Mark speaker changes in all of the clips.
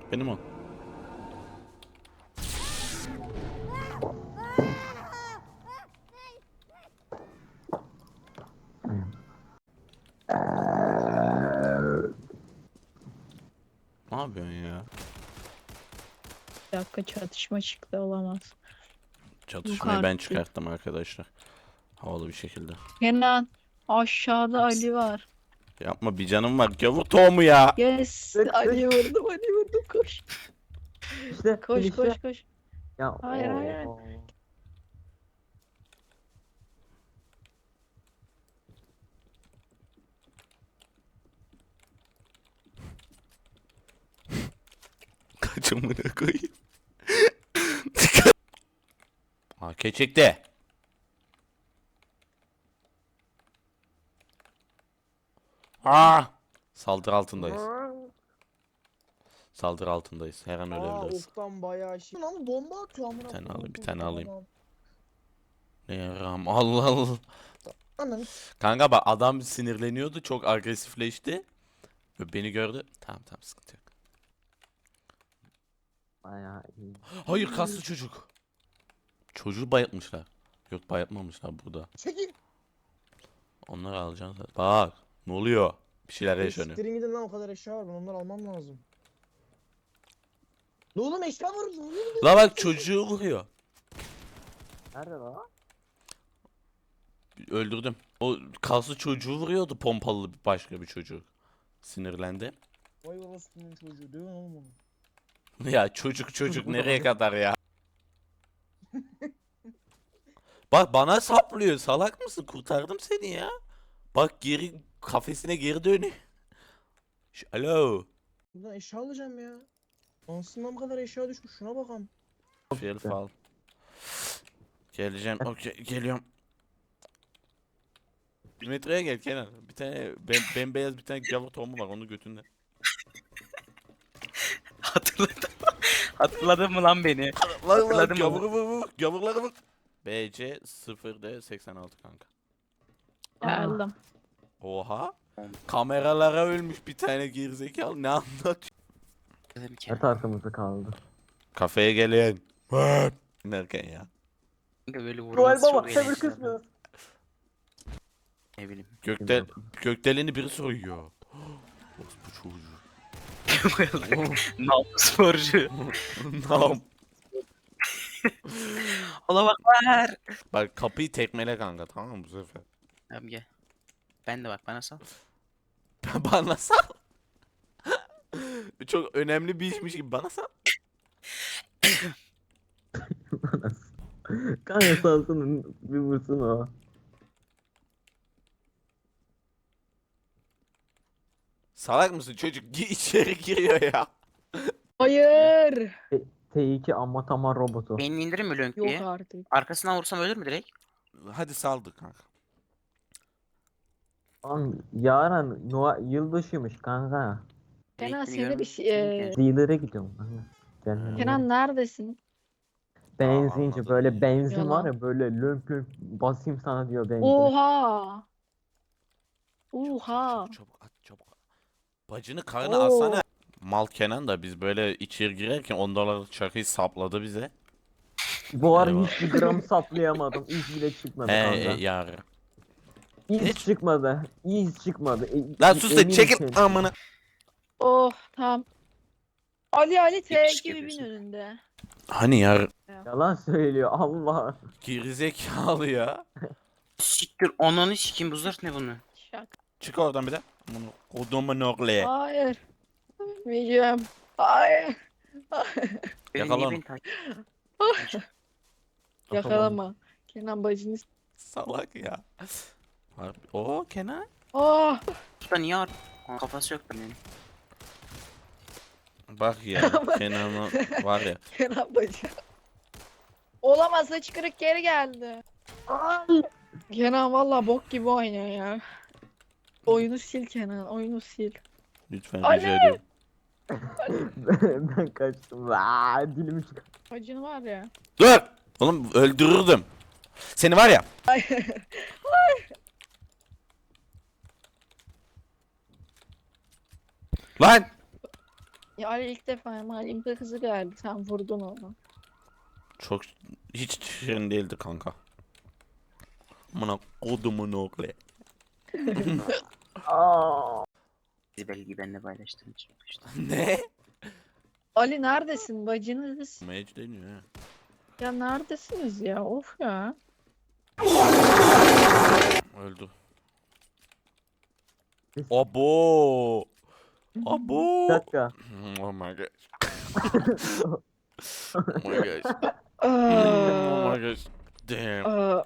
Speaker 1: Benim o. Ne yapıyorsun ya?
Speaker 2: Bir dakika, çatışma çıktı, olamaz.
Speaker 1: Çatışmayı ben
Speaker 2: Yukarı.
Speaker 1: çıkarttım arkadaşlar. Havalı bir şekilde.
Speaker 2: Kenan, aşağıda Ali var.
Speaker 1: Yapma, bir canım var. Gavur tohumu ya.
Speaker 2: Yes,
Speaker 3: Tık
Speaker 2: Ali
Speaker 3: tık.
Speaker 2: vurdum, Ali vurdum, koş.
Speaker 3: İşte
Speaker 2: Koş
Speaker 3: işte.
Speaker 2: koş koş.
Speaker 3: Ya
Speaker 2: Hayır, hayır, hayır.
Speaker 1: Kaçımını koyayım. AK çekti. Saldırı altındayız. Saldırı altındayız. Her an ölebiliriz.
Speaker 4: Oktan bayağı şey. Lan bomba atıyor amına.
Speaker 1: Bir tane
Speaker 4: koyayım.
Speaker 1: alayım, bir tane alayım.
Speaker 4: Tamam.
Speaker 1: Ne yaram, Allah Allah.
Speaker 4: Ananı
Speaker 1: Kanka bak, adam sinirleniyordu, çok agresifleşti. Ve beni gördü. Tamam tamam, sıkıntı yok.
Speaker 3: bayağı iyi.
Speaker 1: Hayır, kaslı çocuk. Çocuğu bayıltmışlar. Yok, bayıltmamışlar burada.
Speaker 4: çekil.
Speaker 1: Onları alacağız. Bak ne oluyor? Bir şeyler yaşanıyor.
Speaker 4: Siktirin gidin lan, o kadar eşya var, ben onları almam lazım. Ne oğlum, eşya var mı? Ne oluyor?
Speaker 1: La bak, çocuğu vuruyor.
Speaker 3: Nerede lan?
Speaker 1: Öldürdüm. O kaslı çocuğu vuruyordu, pompalı başka bir çocuk. Sinirlendi.
Speaker 4: Vay orospunun çocuğu, değil mi oğlum onu?
Speaker 1: Ya çocuk nereye kadar ya? Bak bana saplıyor. Salak mısın? Kurtardım seni ya. Bak, geri kafesine geri dönüyor. Alo.
Speaker 4: Buradan eşya alacağım ya. Ansından bu kadar eşya düşmüş, şuna bakalım.
Speaker 1: Şerif al. Geleceğim. Okey, geliyorum. 1 metreye gel Kenan. Bir tane bembeyaz bir tane gavur tohumu var, onu götünde.
Speaker 5: Hatırladım. Hatırladın mı lan beni?
Speaker 1: Lan
Speaker 5: Hatırladım
Speaker 1: gavuru vur. Gavurları vur. BC 0D 86 kanka.
Speaker 2: Geldim.
Speaker 1: Oha. Kameralara ölmüş bir tane gerizekalı. Ne anlatıyor?
Speaker 5: Dedim ki.
Speaker 3: Evet, arkamızda kaldı.
Speaker 1: Kafeye gelin. Derken ya.
Speaker 5: Kanka böyle
Speaker 3: Noel
Speaker 5: vurması
Speaker 3: Baba
Speaker 5: çok
Speaker 3: sabır
Speaker 5: eğlenceli.
Speaker 3: kısmı.
Speaker 5: Ne bileyim.
Speaker 1: Gökdeleni biri soyuyor. Bu çocuğu.
Speaker 5: Nallı sporcu.
Speaker 1: Tamam.
Speaker 5: Ola bak ver.
Speaker 1: Bak, kapıyı tekmele kanka, tamam mı bu sefer?
Speaker 5: Tamam gel. Ben de bak bana sal.
Speaker 1: Bana sal. Çok önemli bir işmiş gibi bana sal.
Speaker 3: Kanka salsana bir vursun o.
Speaker 1: Salak mısın çocuk? İçeri giriyor ya.
Speaker 2: Hayır.
Speaker 3: T2 amma tamam robotu.
Speaker 5: Beynini indirir mi lönk
Speaker 2: Yok
Speaker 5: diye?
Speaker 2: artık.
Speaker 5: Arkasından vursam ölür mü direkt?
Speaker 1: Hadi saldık kanka.
Speaker 3: Lan yarın Noel yılbaşıymış kanka.
Speaker 2: Kenan,
Speaker 5: Renkini
Speaker 2: seni bir
Speaker 5: görmedim ki.
Speaker 3: Dealer'e gidiyorum kanka. Kendine.
Speaker 2: Kenan neredesin?
Speaker 3: Benzinci,
Speaker 1: anladım.
Speaker 3: böyle benzin
Speaker 2: Yalan.
Speaker 3: var ya, böyle lömp lömp basayım sana diyor benzin.
Speaker 2: Oha. Oha.
Speaker 1: Çabuk at, çabuk at. Bacını karnı
Speaker 2: Oo.
Speaker 1: alsana. Mal Kenan da biz böyle içeri girerken $10 çakıyı sapladı bize.
Speaker 3: Bu ara
Speaker 1: Eyvah.
Speaker 3: hiçbir gram saplayamadım. İz bile çıkmadı
Speaker 1: He
Speaker 3: kanka.
Speaker 1: yarı.
Speaker 3: İz
Speaker 1: hiç-
Speaker 3: çıkmadı. İz çıkmadı.
Speaker 1: Lan sus da
Speaker 3: Eminim
Speaker 1: çekil
Speaker 3: ki.
Speaker 1: amına.
Speaker 2: Oh, tamam. Ali T
Speaker 5: Yakışık
Speaker 2: gibi bin
Speaker 5: yapıyorsun.
Speaker 2: önünde.
Speaker 1: Hani yar
Speaker 3: Yalan söylüyor Allah.
Speaker 1: gerizekalı ya.
Speaker 5: Siktir ananı sikeyim, bu zırh ne bunu?
Speaker 2: Şak.
Speaker 1: Çık oradan bir de. Kodumun oğlu.
Speaker 2: Hayır. Ölmeyeceğim. Hayır.
Speaker 5: Beni
Speaker 1: Yakalan.
Speaker 5: niye beni takip
Speaker 2: Yakalama. Kenan bacını.
Speaker 1: Salak ya. O Kenan.
Speaker 2: Oh.
Speaker 5: Usta niye ağır? Kafası yok benim.
Speaker 1: Bak ya, Kenan'ın var ya.
Speaker 2: Kenan bacı. Olamaz, saç kırık geri geldi. Kenan valla bok gibi oynuyor ya. Oyunu sil Kenan, oyunu sil.
Speaker 1: Lütfen
Speaker 2: Ali!
Speaker 1: rica ediyorum.
Speaker 3: Ben kaçtım. Aa, dilimi çık.
Speaker 2: Bacın var ya.
Speaker 1: Dur! Oğlum öldürürdüm. Seni var ya. Lan!
Speaker 2: Ya Ali ilk defa mahallemde kızı geldi. Sen vurdun onu.
Speaker 1: Çok hiç şirin değildi kanka. Amına kodumun oğlu.
Speaker 3: Aa.
Speaker 5: Siz belki benimle paylaştığım için. İşte.
Speaker 1: Ne?
Speaker 2: Ali neredesin bacınız?
Speaker 1: Mage deniyor ha.
Speaker 2: Ya neredesiniz ya? Of ya.
Speaker 1: Öldü.
Speaker 3: Biz-
Speaker 1: Abo.
Speaker 3: Bir
Speaker 1: Abo.
Speaker 3: dakika.
Speaker 1: Oh my gosh. Oh my gosh. Oh
Speaker 2: Aa,
Speaker 1: my gosh. Damn.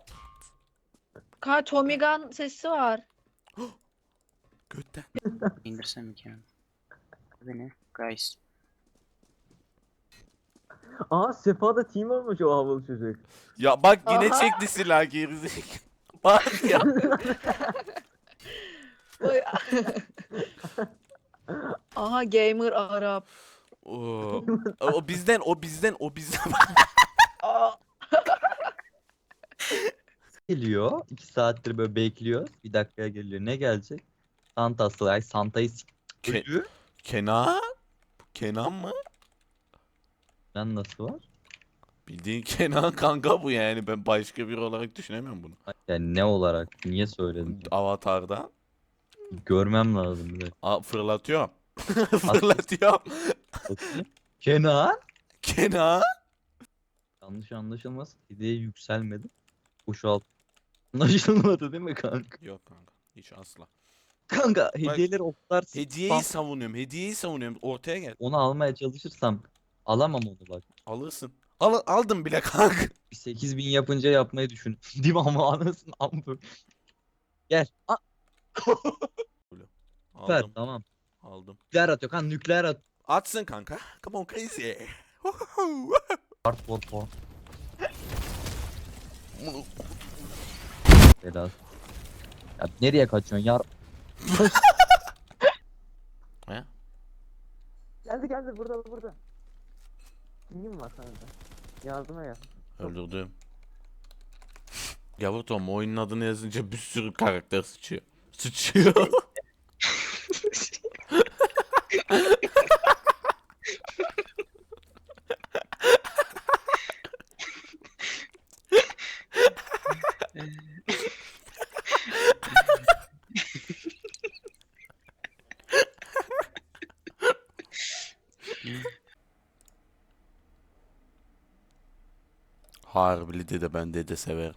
Speaker 2: Tommy Gun sesi var.
Speaker 1: Götten.
Speaker 5: İndirsem mi ki? Beni. Guys.
Speaker 3: Aa Sefa da team olmuş o havalı çocuk.
Speaker 1: Ya bak yine
Speaker 2: Aha.
Speaker 1: çekti silah gerizekalı. Bak ya.
Speaker 2: Oy. Aha gamer Arap.
Speaker 1: O bizden.
Speaker 2: Aa,
Speaker 6: Geliyor. 2 saattir böyle bekliyor. Bir dakikaya geliyor. Ne gelecek? Santa'sı. Ay Santa'yı
Speaker 1: Ke-
Speaker 6: ölü.
Speaker 1: Kenan? Kenan mı?
Speaker 6: Lan nasıl var?
Speaker 1: Bildiğin Kenan kanka bu yani. Ben başka biri olarak düşünemiyorum bunu.
Speaker 6: Yani ne olarak? Niye söyledin?
Speaker 1: Avatar'da.
Speaker 6: Görmem lazım bir de.
Speaker 1: Fırlatıyorum. Fırlatıyorum.
Speaker 6: Bakayım. Kenan.
Speaker 1: Kenan?
Speaker 6: Yanlış anlaşılmasın. Hediye yükselmedi. Boşalt. Anlaşılmadı değil mi kanka?
Speaker 1: Yok kanka. Hiç asla.
Speaker 6: Kanka hediyeleri o kadar
Speaker 1: Hediyeyi savunuyorum. Hediyeyi savunuyorum. Ortaya gel.
Speaker 6: onu almaya çalışırsam alamam onu bak.
Speaker 1: Alırsın. Aldım bile kanka.
Speaker 6: Bir 8000 yapınca yapmayı düşün. Değil mi ama anasını amma. Gel. Süper
Speaker 1: Aldım.
Speaker 6: tamam.
Speaker 1: Aldım.
Speaker 6: Nükleer atıyor kan nükleer at.
Speaker 1: Atsın kanka. Come on crazy.
Speaker 6: Hardcore porn. Biraz. Ya nereye kaçıyorsun yar?
Speaker 1: He?
Speaker 3: Geldi burada. Team var sana da. Yardıma gel.
Speaker 1: Öldürdüm. Yavru Tom oyunun adını yazınca bir sürü karakter sıçıyor. Sıçıyor. Harbili dede ben dede severim.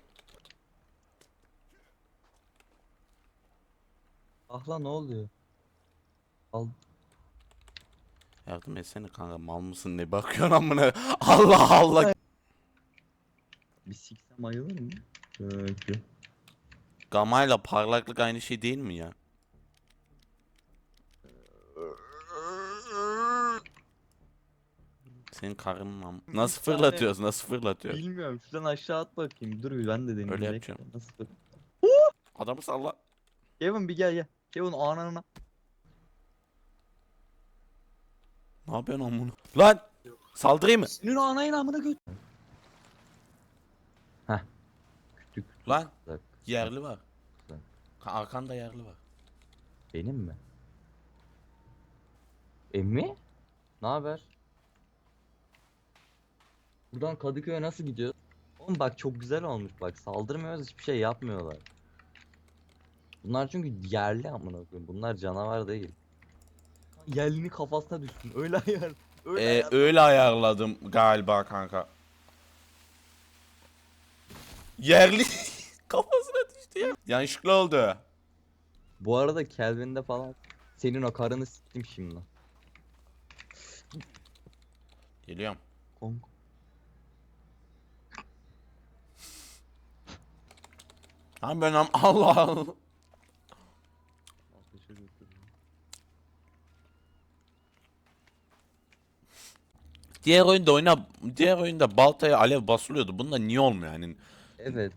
Speaker 6: Ah lan ne oluyor? Al.
Speaker 1: Yardım etsene kanka mal mısın ne bakıyorsun amına. Allah Allah.
Speaker 6: Bir siksem ayılır mı? Peki.
Speaker 1: Gamayla parlaklık aynı şey değil mi ya? Senin karının nasıl fırlatıyoruz? Nasıl fırlatıyoruz?
Speaker 6: Bilmiyorum şuradan aşağı at bakayım. Dur bir ben de deneyeyim.
Speaker 1: Öyle
Speaker 6: Bekle.
Speaker 1: yapacağım.
Speaker 6: Nasıl?
Speaker 1: Adamı salla.
Speaker 6: Kevin bir gel. Kevin ananına.
Speaker 1: Ne yapıyorsun amına? Lan! Saldırayım mı?
Speaker 6: Senin anayın amına göt. Heh. Küçük.
Speaker 1: Lan!
Speaker 6: Bak,
Speaker 1: Yerli var.
Speaker 6: Bak.
Speaker 1: Arkanda yerli var.
Speaker 6: benim mi? Emmi? Ne haber? Buradan Kadıköy'e nasıl gidiyor? Oğlum bak çok güzel olmuş bak saldırmıyoruz hiçbir şey yapmıyorlar. Bunlar çünkü yerli amına koyayım. Bunlar canavar değil. Yerlinin kafasına düşsün. Öyle ayar. Öyle ayar.
Speaker 1: Öyle ayarladım galiba kanka. Yerli kafasına düştü ya. Yanlışlıkla oldu.
Speaker 6: Bu arada Kelvin'de falan senin o karını siktim şimdi.
Speaker 1: Geliyorum.
Speaker 6: Kong.
Speaker 1: Lan ben Allah Allah. Diğer oyunda baltaya alev basılıyordu. Bunda niye olmuyor yani?
Speaker 6: Evet.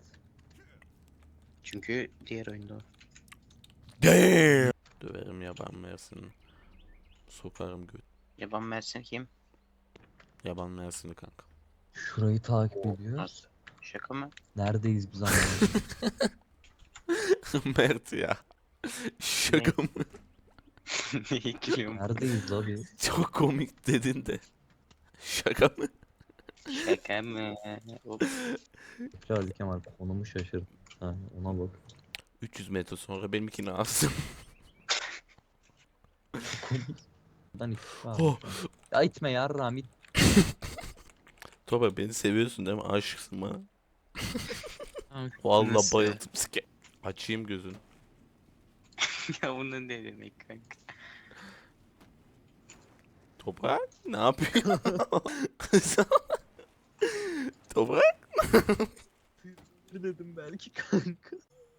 Speaker 5: Çünkü diğer oyunda o.
Speaker 1: Damn. Döverim yaban mersini. Sokarım göt.
Speaker 5: Yaban Mersin kim?
Speaker 1: Yaban mersini kanka.
Speaker 6: Şurayı takip ediyor.
Speaker 5: Nasıl? Şaka mı?
Speaker 6: Neredeyiz biz anlamadım.
Speaker 1: Mert ya. Şaka mı?
Speaker 5: Neye gülüyorum?
Speaker 6: Neredeyiz la biz?
Speaker 1: Çok komik dedin de. Şaka mı?
Speaker 5: Şaka mı? Hop.
Speaker 6: Hadi Kemal konumu şaşırdım. Ha, ona bak.
Speaker 1: 300 metre sonra benimkini alsın.
Speaker 6: Buradan istifa.
Speaker 1: Oh.
Speaker 6: Ya itme yarram it.
Speaker 1: Topa beni seviyorsun değil mi? Aşıksın bana.
Speaker 5: Nasıl?
Speaker 1: Vallahi bayıldım sike. Açayım gözünü.
Speaker 5: Ya bunu ne demek kanka?
Speaker 1: Toprak ne yapıyor? Toprak.
Speaker 6: Dedim belki kanka.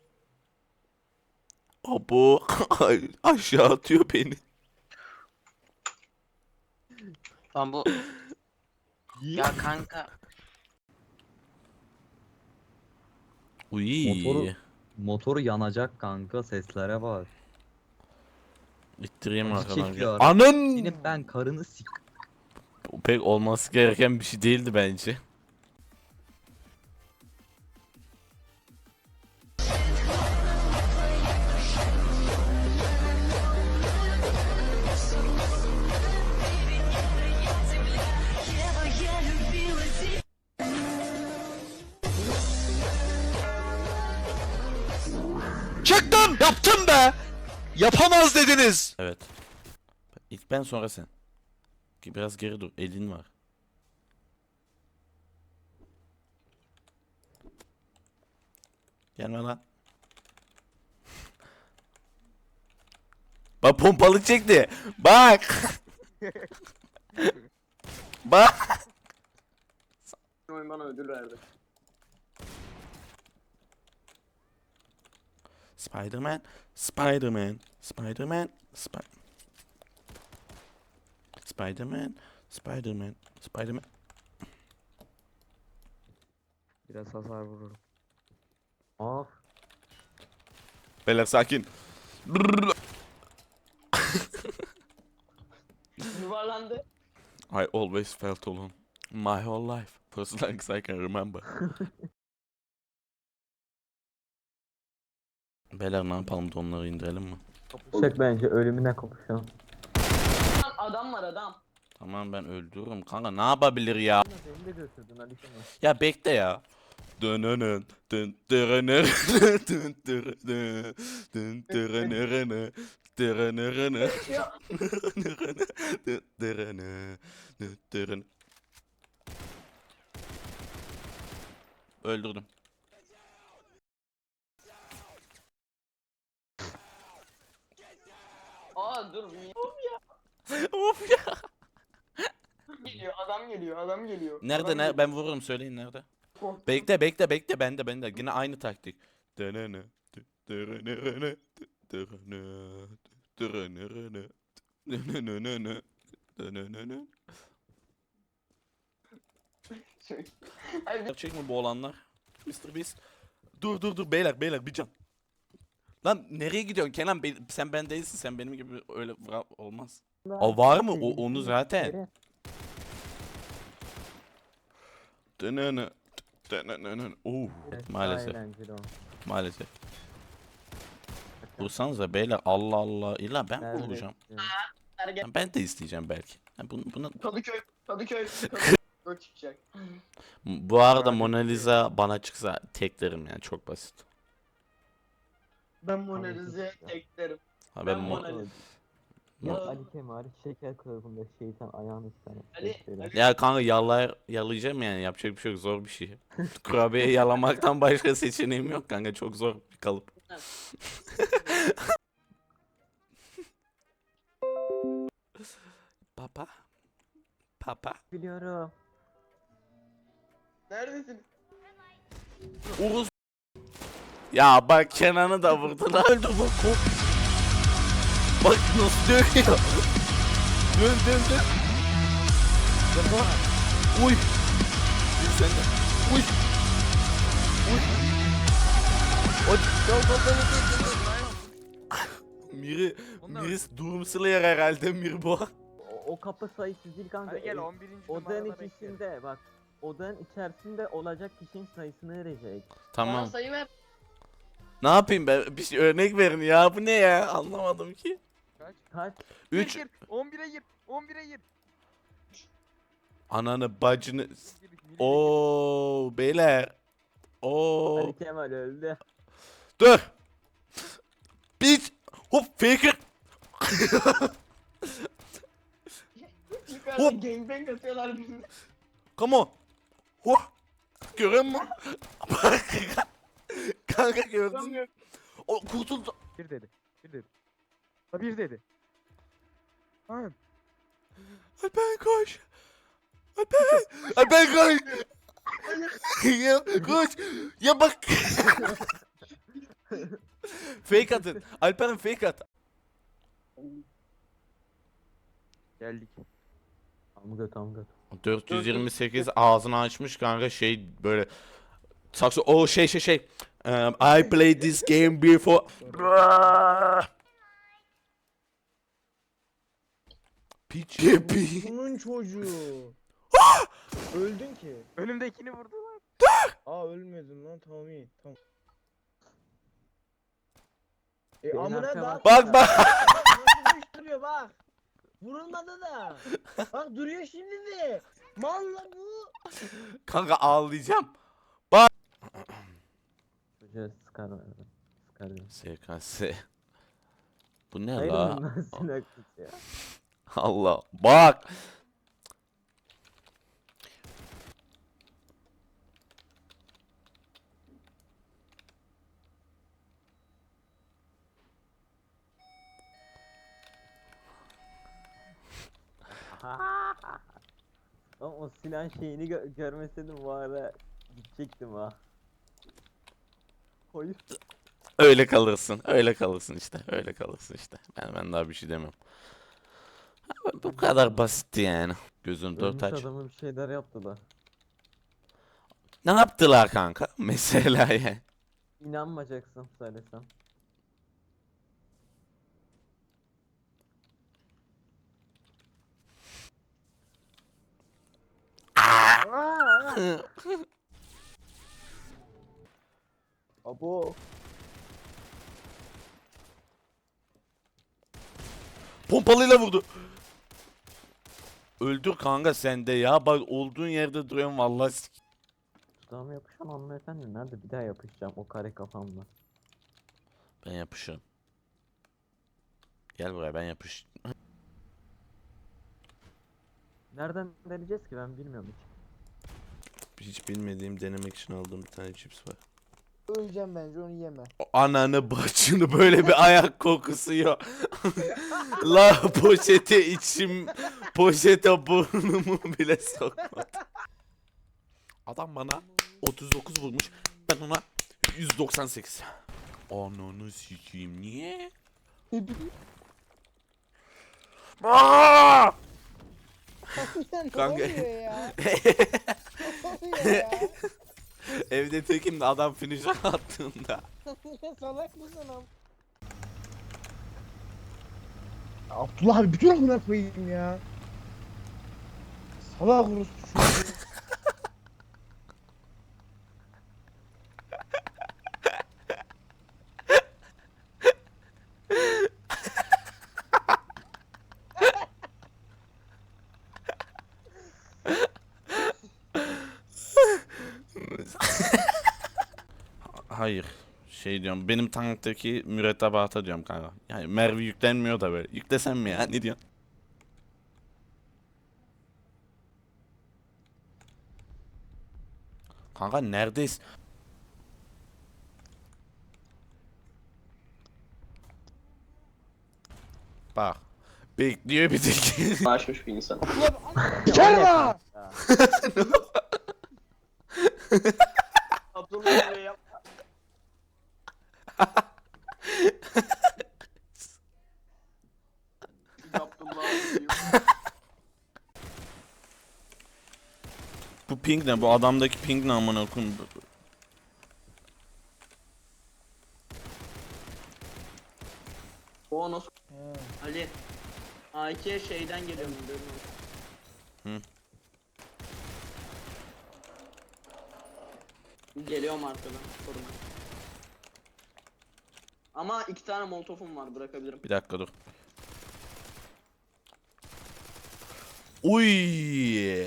Speaker 1: Abo. Ay, aşağı atıyor beni.
Speaker 5: Lan bu... Ya kanka.
Speaker 1: Uy.
Speaker 6: Motoru yanacak kanka seslere bak.
Speaker 1: İttireyim
Speaker 6: Acı
Speaker 1: arkadan.
Speaker 6: çekiyor.
Speaker 1: Anın.
Speaker 6: Senin ben karını sik.
Speaker 1: Bu pek olması gereken bir şey değildi bence.
Speaker 7: Çıktım! Yaptım be! Yapamaz dediniz!
Speaker 1: Evet. İlk ben sonra sen. Biraz geri dur. Elin var. Gelme lan. Bak pompalı çekti. Bak. Bak.
Speaker 4: Oyun bana ödül verdi.
Speaker 1: Spider-Man. Spider-Man. Spider-Man. Spider-Man. Spider-Man. Spider-Man.
Speaker 3: Biraz hasar vururum. Of.
Speaker 1: Beyler sakin.
Speaker 4: Yuvarlandı.
Speaker 1: I always felt alone. My whole life. For as long as I can remember. Beyler ne yapalım, donları indirelim mi?
Speaker 3: Çek bence ölümüne kopuşalım.
Speaker 4: Adam var adam.
Speaker 1: Tamam ben öldürürüm kanka, ne yapabilir ya?
Speaker 3: Beni de götürdün Ali Kemal.
Speaker 1: Ya bekle ya. Dönönön dön dönönön dön dönönön dön dönönön dönönön dönönön. Öldürdüm.
Speaker 4: Aa dur.
Speaker 1: Of ya.
Speaker 4: Geliyor adam geliyor adam geliyor.
Speaker 1: Nerede ne? Ben vururum, söyleyin nerede?
Speaker 4: Korktum.
Speaker 1: Bekle bende yine aynı taktik. Dönönö dönönö dönönö dönönö dönönö dönönö.
Speaker 4: Ay,
Speaker 1: Gerçek mi bu olanlar? Mr. Beast. Dur beyler bir can. Lan nereye gidiyorsun Kenan? Sen ben değilsin, sen benim gibi öyle olmaz. O var mı? Onu zaten. Dönönö dönönö. Maalesef.
Speaker 3: Eğlenceli o.
Speaker 1: Maalesef. Vursanıza beyler, Allah Allah. İlla ben mi
Speaker 3: Nerede?
Speaker 1: vuracağım?
Speaker 4: Ergen.
Speaker 1: Ben de isteyeceğim belki. Ha, bunu...
Speaker 4: Kadıköy. Gol çıkacak.
Speaker 1: Bu arada Mona Lisa bana çıksa teklerim yani, çok basit.
Speaker 4: Ben Mona Lisa'ya teklerim.
Speaker 1: Ha,
Speaker 4: Ben
Speaker 1: ben
Speaker 4: Mona
Speaker 1: Mo-
Speaker 4: Lisa.
Speaker 3: Ya
Speaker 4: Ya-
Speaker 3: Ali Kemal şeker kılıfında şeytan ayağını istedim.
Speaker 4: Ali-
Speaker 1: Ya kanka yalayacağım yani, yapacak bir şey yok, zor bir şey. Kurabiye yalamaktan başka seçeneğim yok kanka, çok zor bir kalıp. Papa.
Speaker 3: Biliyorum.
Speaker 4: Neredesin?
Speaker 1: Uruz. Ya bak Kenan'ı da vurdular. Öldü bu kop. Bak nasıl dönüyor. Dön. Yapma. Uy. Bir sen de. Uy. O dal. Miri Doom Slayer herhalde Mir bu.
Speaker 3: O kapı sayısı değil kanka.
Speaker 8: Hadi gel 11.
Speaker 3: Odanın
Speaker 8: numarada bekle.
Speaker 3: içerisinde bak. Odanın içerisinde olacak kişinin sayısını verecek.
Speaker 4: Bana
Speaker 1: Tamam.
Speaker 4: sayı ver.
Speaker 1: Ne yapayım ben? Bir şey örnek verin ya. Bu ne ya? Anlamadım ki.
Speaker 3: Kaç?
Speaker 1: 3
Speaker 8: Gir. 11'e gir. 11'e gir.
Speaker 1: ananı bacını. Oo beyler. Oo.
Speaker 3: Ali Kemal öldü.
Speaker 1: Dur. Biz hop faker.
Speaker 4: Yukarıda
Speaker 1: Hop.
Speaker 4: gangbang atıyorlar bizi.
Speaker 1: Come on. Hop. Görüyor musun? Kanka gördün mü? O kurtuldu.
Speaker 8: 1 dedi. 1 dedi. Ha 1 dedi. Tamam.
Speaker 1: Alper koş. Alper. Alper koş. Ya koş. Ya bak. Fake atın. Alper'in fake at.
Speaker 8: Geldik.
Speaker 3: Tam göt.
Speaker 1: 428 ağzını açmış kanka şey böyle saksı o şey I played this game before. Piç yepi.
Speaker 4: Bunun çocuğu. Öldün ki.
Speaker 8: Önümdekini vurdular.
Speaker 4: Aa ölmedin lan, tamam iyi tamam.
Speaker 3: Benim
Speaker 4: Amına
Speaker 3: arkama-
Speaker 4: bak.
Speaker 1: Bak bak.
Speaker 4: Nasıl duruyor bak. Vurulmadı da. Bak duruyor şimdi de. Malla bu.
Speaker 1: Kanka ağlayacağım.
Speaker 3: Çocuğa sıkar verdim. Sıkar verdim.
Speaker 1: SKS. Bu ne
Speaker 3: Hayır
Speaker 1: la?
Speaker 3: bundan sinaklık ya.
Speaker 1: Allah. Bak.
Speaker 3: Ama o silah şeyini görmeseydim bu ara gidecektim ha. Hayır.
Speaker 1: Öyle kalırsın. Öyle kalırsın işte. Öyle kalırsın işte. Ben daha bir şey demem. Bu kadar basitti yani. Gözün dört
Speaker 3: Ölmüş
Speaker 1: aç.
Speaker 3: adamı bir şeyler yaptılar.
Speaker 1: Ne yaptılar kanka? Mesela ya.
Speaker 3: İnanmayacaksın söylesem. Abo.
Speaker 1: Pompalıyla vurdu. Öldür kanka sen de ya. Bak olduğun yerde duruyorsun vallahi.
Speaker 3: Dudağıma yapışan hanımefendi nerede? Bir daha yapışacağım o kare kafamla.
Speaker 1: Ben yapışırım. Gel buraya ben yapış.
Speaker 3: Nereden deneyeceğiz ki ben bilmiyorum hiç.
Speaker 1: Hiç bilmediğim denemek için aldığım bir tane cips var.
Speaker 4: Öleceğim bence, onu yeme.
Speaker 1: Ananı bacını böyle bir ayak kokusu yok. La poşete içim, poşete burnumu bile sokmadı. Adam bana 39 vurmuş. Ben ona 198. Ananı sikeyim niye? Aa! Kanka.
Speaker 4: Ne oluyor ya? Ne oluyor ya?
Speaker 1: Evde tekim de adam finisher attığında.
Speaker 4: Salak mısın am? Abdullah abi bütün amına koyayım ya. Salak orospu çocuğu.
Speaker 1: Hayır. Şey diyorum benim tanktaki mürettebata diyorum kanka. Yani mermi yüklenmiyor da böyle. Yüklesem mi ya ne diyorsun? Kanka neredeyiz? Bak. Bekliyor bir tek.
Speaker 9: Açmış bir insan.
Speaker 4: Kerma!
Speaker 9: Abdullah Bey yap. Abdullah Bey.
Speaker 1: Bu ping ne? Bu adamdaki ping ne amına koyayım?
Speaker 9: O nasıl? Ali. A2'ye şeyden geliyorum.
Speaker 1: Hı.
Speaker 9: Geliyorum arkadan. Koruma. Ama 2 tane molotofum var, bırakabilirim.
Speaker 1: Bir dakika dur. Uy.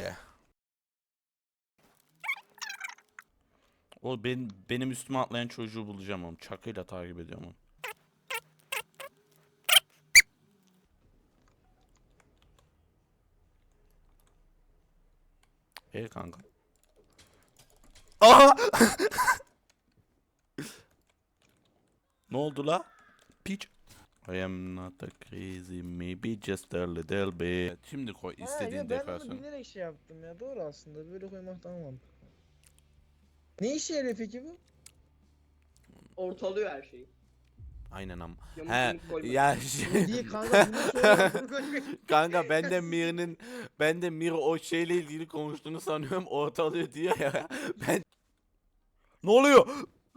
Speaker 1: O benim üstüme atlayan çocuğu bulacağım oğlum. Çakıyla takip ediyorum onu. Kanka. Aha! Ne oldu la? Piç. I am not a crazy, maybe just a little bit. Şimdi koy
Speaker 4: Ha,
Speaker 1: istediğin
Speaker 4: ya ben onu
Speaker 1: dekorasyonu.
Speaker 4: bilerek şey yaptım ya. Doğru aslında. Böyle koymak tamam. Ne işe yarıyor peki bu?
Speaker 9: Ortalıyor her şeyi.
Speaker 1: Aynen ama.
Speaker 9: Yamuk
Speaker 1: He
Speaker 9: yumuk koyma.
Speaker 1: ya
Speaker 4: Bu değil kanka. Bunu sonra bunu koy.
Speaker 1: kanka ben de Mir o şeyle ilgili konuştuğunu sanıyorum, ortalıyor diyor ya. Ben ne oluyor?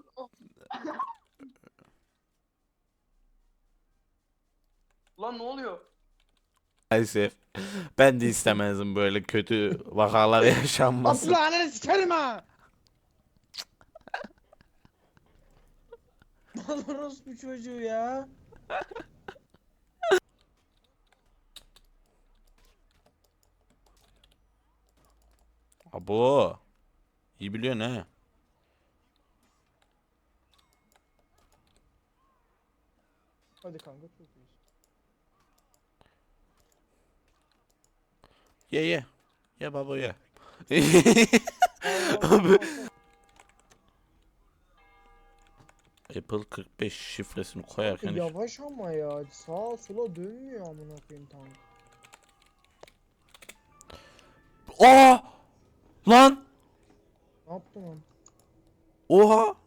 Speaker 9: Lan ne oluyor?
Speaker 1: Maalesef ben de istemezdim böyle kötü vakalar yaşanmasın.
Speaker 4: Aslanını sikerim ha. Malorus bu çocuğu ya.
Speaker 1: Abo. İyi biliyorsun he.
Speaker 4: Hadi kanka çok iyi.
Speaker 1: Ye ye. Ye baba ye.
Speaker 4: Allah
Speaker 1: Apple 45 şifresini
Speaker 4: Allah.
Speaker 1: koyarken
Speaker 4: Yavaş ama ya. Sağa sola dönmüyor amına koyayım tank.
Speaker 1: Aa! Lan!
Speaker 4: Ne yaptın lan?
Speaker 1: Oha!